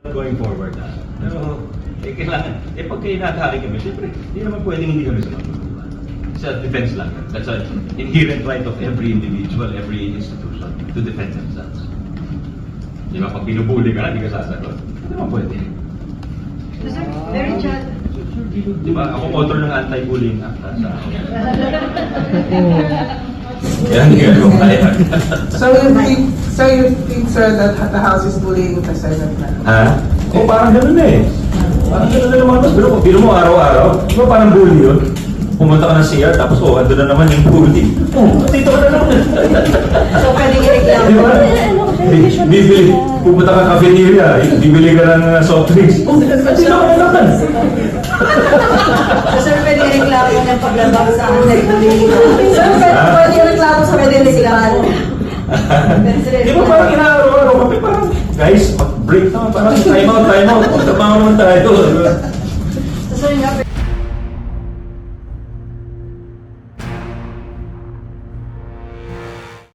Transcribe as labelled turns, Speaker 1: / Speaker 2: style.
Speaker 1: Going forward pero kailangan, pag kinakari kami, siyempre, hindi naman pwedeng hindi kami sumagot. Self-defense lang. That's an inherent right of every individual, every institution to defend themselves. Di ba, pag binubuli ka na, hindi ka sasagot. Hindi naman pwede.
Speaker 2: Sir, very chat.
Speaker 1: Di ba, ako author ng anti-bullying act sa yan, hindi ko kaya.
Speaker 3: So you think, sir, that the House is bullying the Senate na?
Speaker 1: Ha? O parang ganun na eh. Parang ganun na lumabas. Pero kung mo araw-araw, di ba parang bully yun? Pumunta ka ng CR, tapos andun na naman yung bully. Dito ka na naman.
Speaker 2: So pwedeng i-reklamo.
Speaker 1: Di ba? Bibili, pupunta ka cafeteria, bibili ka ng soft drinks. Dito ka na naman.
Speaker 2: So sir, pwedeng i-reklamo ng paglabak sa anti-bullying. Sir, pwedeng i-reklamo sa reklamo.
Speaker 1: Di ba parang inaaraw-araw kami, parang guys, mag-break naman, parang time out, magtrabaho naman tayo.